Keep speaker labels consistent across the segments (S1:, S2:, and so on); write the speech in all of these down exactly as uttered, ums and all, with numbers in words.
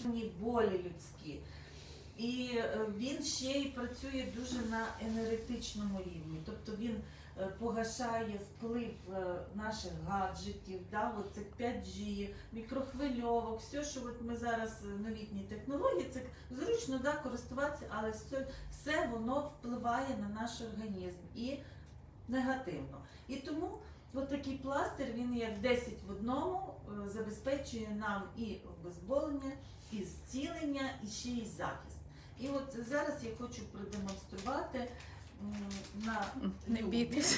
S1: болі людські. І він ще й працює дуже на енергетичному рівні, тобто він погашає вплив наших гаджетів, да, оцих п'ять джі, мікрохвильовок, все, що от ми зараз новітні технології, це зручно, да, користуватися, але все, все воно впливає на наш організм і негативно. І тому от такий пластир, він як десять в одному, забезпечує нам і обезболення, і зцілення, і ще й захист. І от зараз я хочу продемонструвати на
S2: не бійтесь.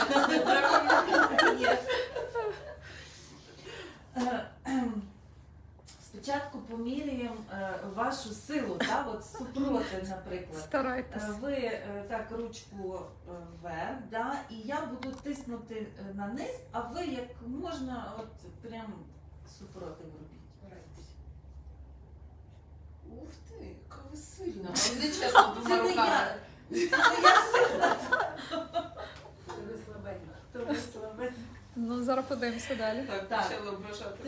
S1: Спочатку поміряємо вашу силу, так, от супроти, наприклад.
S2: Старайтесь.
S1: Ви так ручку вверх, да, і я буду тиснути на низ, а ви як можна от прям супроти робіть.
S3: Ух ти, яка ви сильна. Але не чесно, двома руками.
S1: Це не я сильна.
S3: Це ви слабенька.
S1: То ви слабенька.
S2: Ну, зараз подивимося далі.
S3: Так,
S1: Так.
S3: почали ображати.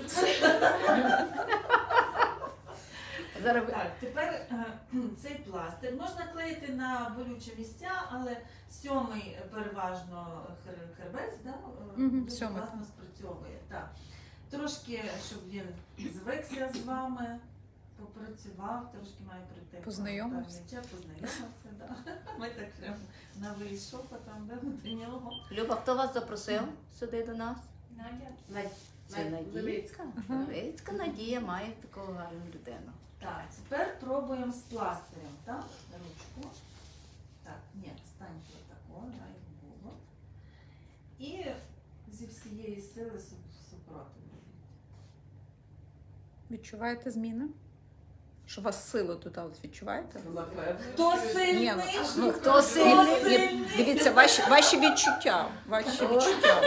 S1: Зараз... Так, тепер е, цей пластир можна клеїти на болючі місця, але сьомий переважно хер- хребець, да, е,
S2: Мгм,
S1: дуже
S2: сьомий.
S1: класно спрацьовує. Так. Трошки, щоб він звикся з вами, попрацював, трошки має прийти.
S2: Познайомився.
S1: певний час, Познайомився, да. Ми так прямо на вийшов, потім да, до нього.
S4: Люба, хто вас запросив сюди до нас?
S3: Надя.
S4: Це Надійка.
S3: Левицька.
S4: Левицька Надія має таку гарну людину.
S1: Так, тепер пробуємо з пластирем, так? Ручку. Так, ні, станьте отако, дай було. І зі всієї сили су- супротив робіть.
S2: Відчуваєте зміни? Що у вас сили тут, от відчуваєте?
S1: Хто
S2: Ні,
S1: сильний?
S2: ну,
S4: Ну, хто сильний?
S2: Ні, дивіться, ваші, ваші відчуття. Ваші відчуття.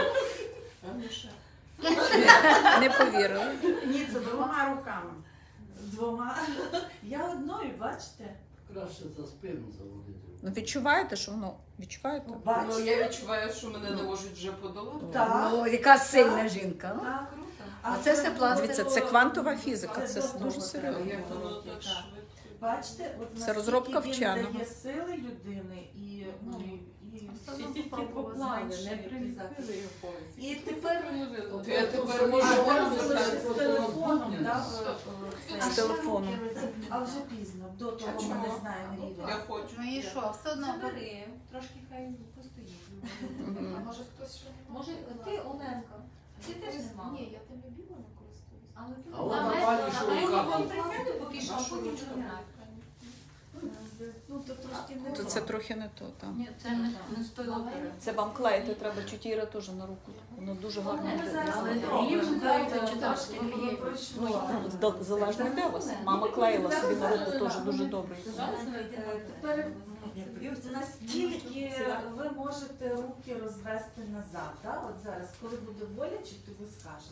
S2: Не повірили.
S1: Ні, це двома руками. Двома. Я одною, бачите?
S5: Краще за спину заводити.
S2: Ну, відчуваєте, що воно відчуваєте?
S3: Ну,
S1: Бачите?
S3: я відчуваю, що мене не можуть вже подолати.
S1: Так.
S4: Ну, яка сильна жінка. ну.
S1: Так.
S4: А це все пластир.
S2: Дивіться, це квантова фізика, це
S1: до
S2: дуже
S1: того
S2: серйозно.
S1: треба
S3: Як воно
S1: робити,
S3: так
S1: так.
S3: швидко.
S1: Бачите, от
S2: Це
S1: наскільки
S2: розробка
S1: він
S2: вченого.
S1: дає сили людини і, ну, і
S3: Всі тільки поплави, не
S1: зменшує
S3: примістили його повністю.
S1: І тепер
S3: От я тепер
S1: А,
S3: можу
S1: ви
S3: говорити
S1: залишили
S3: так.
S1: з телефоном, да, в- в-
S2: З
S1: це.
S2: телефоном.
S1: А вже пізно, до того
S3: А
S1: ми не
S3: чого?
S1: знаємо рівень.
S3: Я хочу.
S6: Ну і що, все одно
S7: Забери, трошки хай постоїть.
S2: Мгм.
S3: А може хтось ще?
S7: Може, ти, Оленка, ти теж не мала?
S6: Ні, я тим любила не користуюсь.
S7: Але ти
S5: А от
S7: А
S5: Наталі,
S7: ми-
S5: що
S7: а ми
S5: в
S7: вам
S5: капці?
S7: присяду поки що, а
S3: Нашу
S7: потім
S3: ручку.
S7: розглянемо.
S1: Ну, то трошки не
S2: То
S1: то.
S2: це трохи не то там.
S6: Ні, це не, не з тої опери.
S2: Це вам клеїти треба чотири теж на руку. Воно дуже гарно
S1: Ми
S2: буде.
S1: зараз
S6: Але
S1: попробуємо,
S6: рівень
S1: дайте
S6: дайте, чи
S1: трошки,
S6: так,
S1: воно
S6: рівень.
S1: пройшло.
S2: Ну, з- залежно де у вас. Мама клеїла собі на руку теж дуже добре.
S1: Е, Тепер наскільки ви можете руки розвести назад, да? От зараз, коли буде боляче, то ви скажете.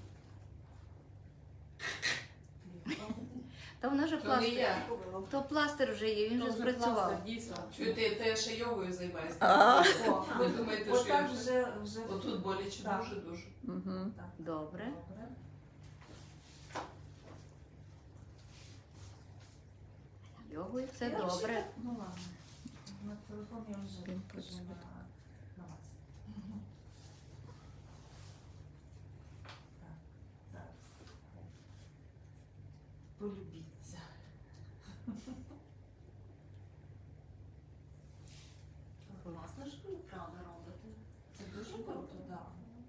S4: Та вона вже
S3: То не
S4: пластир.
S3: я.
S4: То пластир вже є, він вже спрацював.
S3: Дійсно. Чуєте, та я ще йогою займаюся.
S2: А.
S1: О,
S3: Ви думаєте, що я
S1: отак
S3: вже...
S1: вже, вже
S3: Отут боляче
S1: Так.
S3: дуже-дуже.
S2: Мгм.
S1: так.
S4: Добре.
S1: Добре.
S4: Йогою все
S1: Я вже
S4: добре.
S1: так, Ну ладно. На телефон я вже
S2: Він
S1: вже
S2: працює.
S1: на, на вас. Так, зараз. Полюбіться.
S6: Класно, що ви правда робите.
S1: Це дуже круто, так.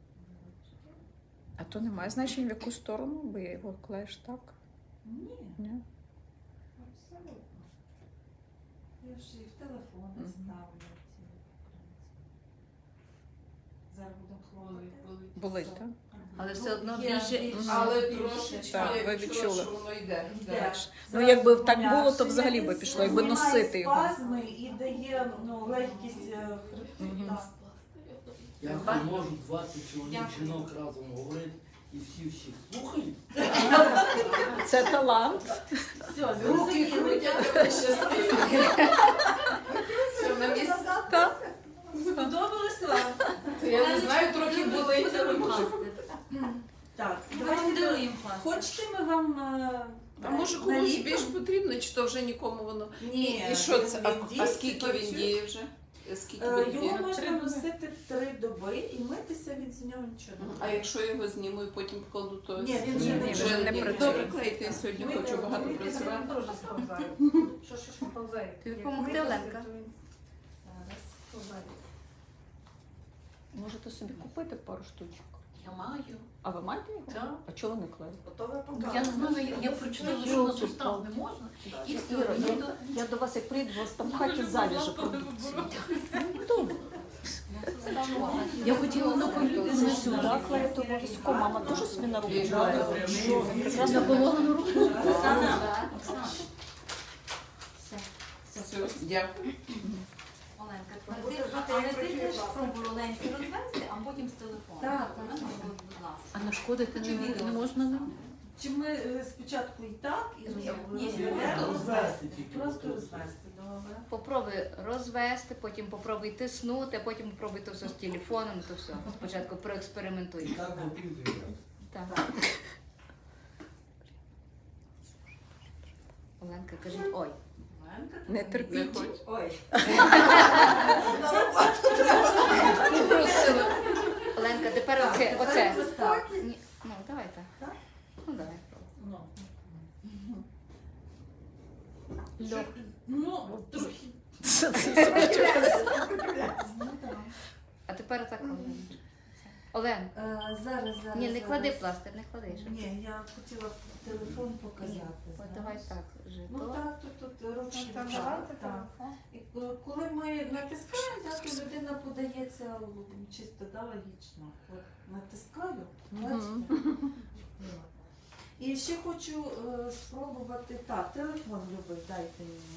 S2: А то немає значення в яку сторону, бо я його клеїш так.
S1: Ні,
S2: Ні?
S1: абсолютно. Я ж і в телефони
S2: Мгм.
S1: ставлю ці, в принципі. Зараз будемо
S3: Болить,
S1: хлопати.
S3: болить.
S2: Болить, так?
S4: Але
S1: Ну,
S4: все одно
S1: є
S4: більше-
S2: Мгм.
S3: Але
S1: більше.
S3: трошечки
S2: Так,
S3: я
S2: ви
S3: відчула,
S2: відчули.
S3: що воно йде.
S1: Йде.
S3: йде.
S2: Ну, якби так
S1: Зараз
S2: було, то взагалі би
S1: пом'якшує,
S2: пішло, якби
S1: знімає
S2: носити його.
S1: спазми і дає ну, легкість е, хребту.
S2: Мгм.
S1: Так.
S5: Як не можуть двадцять чоловік жінок разом говорити і всі всіх слухають?
S2: Це талант.
S1: Все,
S3: Руки
S1: зрозуміли.
S3: крутять, щасливі. Все, на місці.
S2: Так.
S1: Сподобалось вам?
S3: Я не знаю, трохи болить, але може.
S1: Так,
S7: Давайте
S1: давайте.
S7: даруємо пластир.
S1: Хочете, ми вам е,
S3: А може
S1: На
S3: комусь
S1: літо?
S3: більш потрібно, чи то вже нікому воно?
S1: Ні.
S3: І що це? А,
S1: він
S3: а
S1: діє,
S3: скільки він
S1: працює.
S3: діє вже? Скільки
S1: Е,
S3: він
S1: Його
S3: діє?
S1: можна носити три доби і митися від з нього нічого не
S3: А
S1: буде.
S3: якщо я його зніму і потім покладу, то
S1: Ні, він
S4: вже
S3: Ні,
S4: не-
S3: вже
S4: вже не
S3: ні.
S4: працює.
S3: Добре, клейте, я сьогодні
S1: Ми
S3: хочу
S1: не
S3: багато
S1: робити,
S3: працювати.
S7: Дуже сповзає. Що, що, що повзає?
S4: Тобі допомогти, Оленка?
S1: Зараз.
S7: Повзає.
S2: Можете собі купити пару штучок.
S3: Я маю.
S2: А ви маєте його?
S3: Так.
S2: А чого ви не клеїте?
S7: Готове
S6: Я не знаю, я, я прочитала, що на сустав не можна. І все.
S2: Іра,
S6: Ну,
S2: я,
S6: то-
S2: я до вас як прийду, у вас там в хаті заліже продукції. Добре.
S6: Я хотіла на
S2: Це сюди клеїти обов'язково. Мама теж собі на руку клеїла. Що? Прекрасно
S6: Допомога на руку.
S7: Оксана. Оксана. Все.
S3: Все, дякую.
S7: Оленка, тепер ти, ти теж спробуй Оленці розвести, а потім з телефону.
S1: Так,
S7: Олена, будь ласка.
S6: А нашкодити
S7: Чи
S6: не,
S7: відео?
S6: не можна?
S1: Чи ми е, спочатку і так, і
S7: Ні, ні,
S1: розведемо?
S5: розвести тільки.
S1: Просто розвести, добре.
S4: Попробуй розвести, потім попробуй тиснути, а потім попробуй то все з телефоном, то все. Спочатку
S5: І
S4: проекспериментуй.
S5: так готуйте.
S4: Так. Оленка, кажіть, ой.
S1: Оленка,
S2: Не
S1: так,
S2: терпіть.
S3: Не хоч.
S1: Ой.
S4: Попросила. Оленка, тепер оце. оце.
S1: Ось так.
S4: Ні, ну, давай так.
S1: Так?
S4: Ну, давай.
S1: Ну.
S4: Льох.
S1: Ну, трохи.
S4: А тепер отак, Олен. Олен,
S1: Е, Зараз, зараз.
S4: ні, не клади
S1: зараз.
S4: пластир, не клади. щоб-
S1: Ні, я хотіла телефон
S4: Ні,
S1: показати.
S4: от
S1: знаєш.
S4: давай так. Вже
S1: Ну
S4: то.
S1: так, тут, тут ручки.
S7: Так,
S1: так,
S7: давайте
S1: так.
S7: телефон.
S1: І е, коли ми натискаємо, так, то людина подається м, чисто да, логічно. От натискаю, бачите? От. І ще хочу е, спробувати так, телефон любий, дайте мені.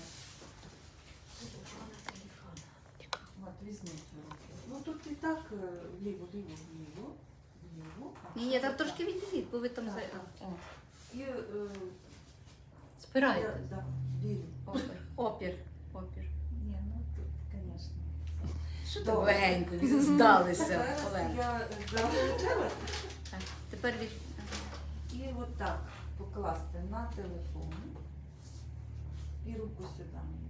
S1: От, візьміть в руки. Ну тут і так е, вліво, ліво, вліво, вліво.
S4: Ні, ні, там трошки відійдіть, бо ви там
S1: Так,
S4: за.
S1: так.
S4: О,
S1: І е,
S6: Спирайте.
S1: я- да, вірю.
S4: опір. Опір. Опір.
S1: Ні, ну тут, звісно.
S4: Що
S1: Добре.
S4: так легенько здалися,
S1: Зараз
S4: Олен.
S1: я е, да,
S4: Так, тепер від.
S1: і отак покласти на телефон і руку сюди. мені.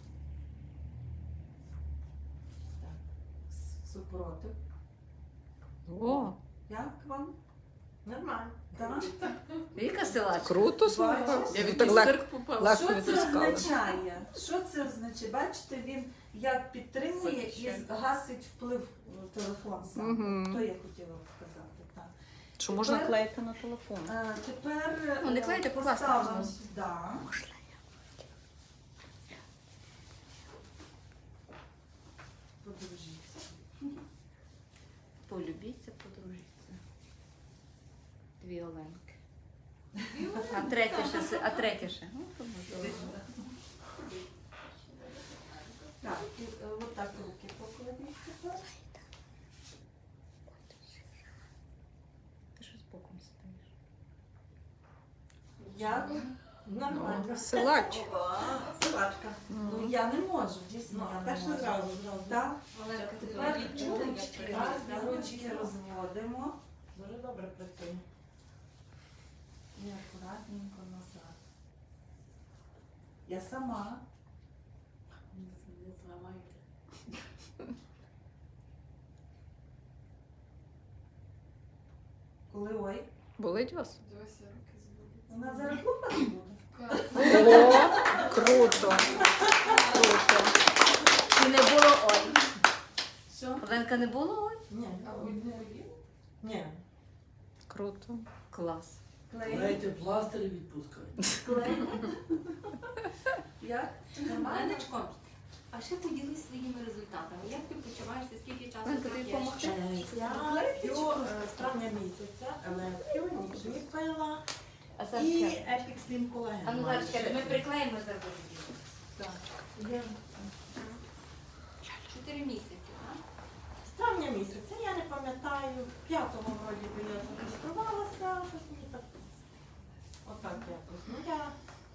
S1: Так, с- супротив.
S2: О,
S1: Як вам? Нормально. Так?
S4: Яка силачка?
S2: круто,
S1: Бачиш?
S2: слухай.
S3: Я в
S2: Так легко.
S3: цирк попала.
S2: легко
S1: Що це
S2: відтискали.
S1: означає? Що це означає? Бачите, він як підтримує і
S3: Захищає.
S1: гасить вплив е, телефон сам.
S2: Мгм.
S1: То я хотіла сказати. Так.
S2: Що можна
S1: Тепер-
S2: клеїти на телефон?
S1: Е, Тепер
S4: Ну, не
S1: е,
S4: клейте, покласти
S1: поставимо
S4: можна.
S1: сюди. Подружіться.
S4: Полюбіться, подружіться. Дві Оленки. А третя ще, си- а третя ще. Ну, то можливо.
S1: Так, і е, отак руки покладіть тепер.
S4: Ти що з боком стоїш?
S1: Я нормально.
S2: Силач.
S1: Силачка. Ну я не можу, дійсно. я не
S7: Так що
S1: можу.
S7: зразу, зразу.
S1: Так.
S7: Оленка, ти
S1: Тепер
S7: відчула, як
S1: ручки,
S7: приймаєш?
S1: так, ручки розводимо.
S7: Дуже добре працює.
S1: І акуратненько назад. Я сама.
S7: Не зламайте.
S1: Коли ой,
S2: Болить вас?
S3: Дивися, руки зводять.
S1: вона зараз лупати буде.
S2: О, круто. Круто.
S4: І не було ой.
S1: Що?
S4: Оленка не було ой?
S1: Ні.
S3: А ви не боліли?
S1: Ні.
S2: Круто.
S4: Клас.
S1: Клей.
S5: Дайте пластир і відпускайте.
S1: Клей. Як? Нормально?
S7: Оленочко, а ще поділись своїми результатами. Як ти почуваєшся, скільки часу
S4: Оленка, тобі
S7: п'єш?
S4: допомогти?
S8: Я п'ю е, з травня місяця, але п'ю ніжні пила
S4: А зараз
S8: і
S4: чекай.
S8: Epic Slim Collagen.
S4: А ну зараз чекайте, ми приклеїмо зараз.
S1: Я-
S7: Чотири місяці, так?
S8: З травня місяця, я не пам'ятаю, п'ятого вроді би я зареєструвалася, щось мені так, отак якось. Ну я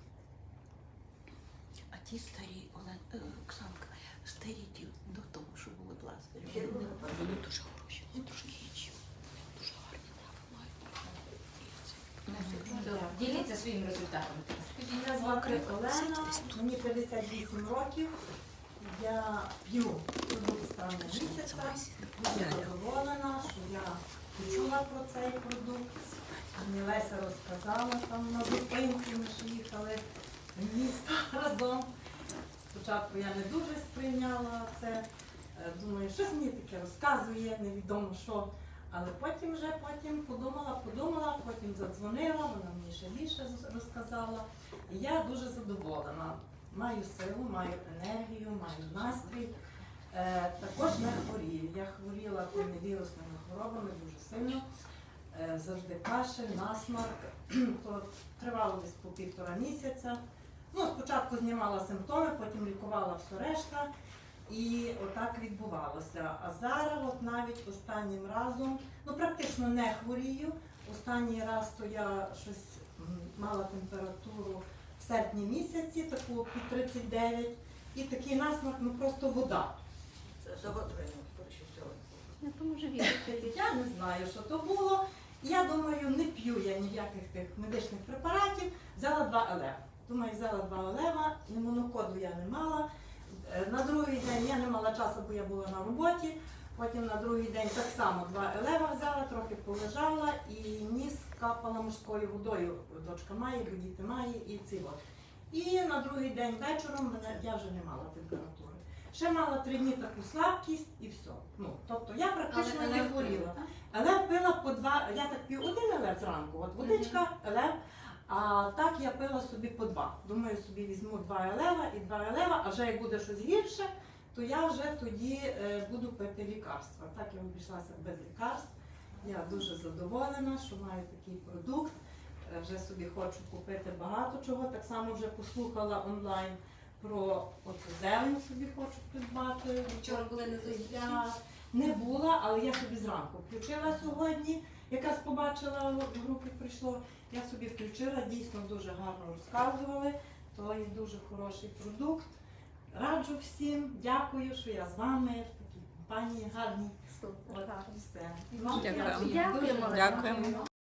S9: А ті старі, Олен, е, Оксанка, старі ті до того, що були пластирі, вони, вони дуже хороші, вони трошки інші. Дуже гарні трави мають. І це, ну,
S7: Діліться своїми результатами. Скажіть,
S8: Мене звати Олена, мені п'ятдесят вісім років. Я п'ю продукт з травня місяця. Дуже задоволена, що я почула про цей продукт. Мені Леся розказала там на зупинці, ми ж їхали в місто разом. Спочатку я не дуже сприйняла це. Е, Думаю, щось мені таке розказує, невідомо що. Але потім вже потім подумала, подумала, потім задзвонила, вона мені ще більше з- розказала. І я дуже задоволена. Маю силу, маю енергію, маю настрій. Е, також я хворію. Я хворіла тими вірусними хворобами дуже сильно. Е, завжди кашель, насморк. То тривало десь по півтора місяця. Ну, спочатку знімала симптоми, потім лікувала все решта. І отак відбувалося. А зараз, от навіть останнім разом, ну практично не хворію. Останній раз то я щось м, мала температуру в серпні місяці, таку під тридцять дев'ять, і такий насморк, ну просто вода.
S9: Це загострення, скоріше всього.
S4: Я тому живі.
S8: Я не знаю, що то було. Я думаю, не п'ю я ніяких тих медичних препаратів. Взяла два елева. Думаю, взяла два елева, імунокоду я не мала. Е, На другий день я не мала часу, бо я була на роботі. Потім на другий день так само два елева взяла, трохи полежала і ніс капала морською водою. Дочка має, бо діти має і ці от. І на другий день вечором мене, я вже не мала температури. Ще мала три дні таку слабкість і все. Ну, тобто я практично не хворіла. Елев пила по два, я так п'ю один елев зранку, от водичка, елев, а так я пила собі по два. Думаю, собі візьму два елева і два елева, а вже як буде щось гірше, то я вже тоді е, буду пити лікарства. Так я обійшлася без лікарств. Я дуже задоволена, що маю такий продукт. Е, Вже собі хочу купити багато чого. Так само вже послухала онлайн про оцю зелень собі хочу придбати.
S7: Вчора були на зустрічі?
S8: Я не була, але я собі зранку включила сьогодні. Якраз побачила, в групі прийшло, я собі включила, дійсно дуже гарно розказували. То є дуже хороший продукт. Раджу всім, дякую, що я з вами в такій компанії гарній. От, все.
S2: Дякую.
S8: Дуже
S4: Дякуємо.
S2: Дякуємо.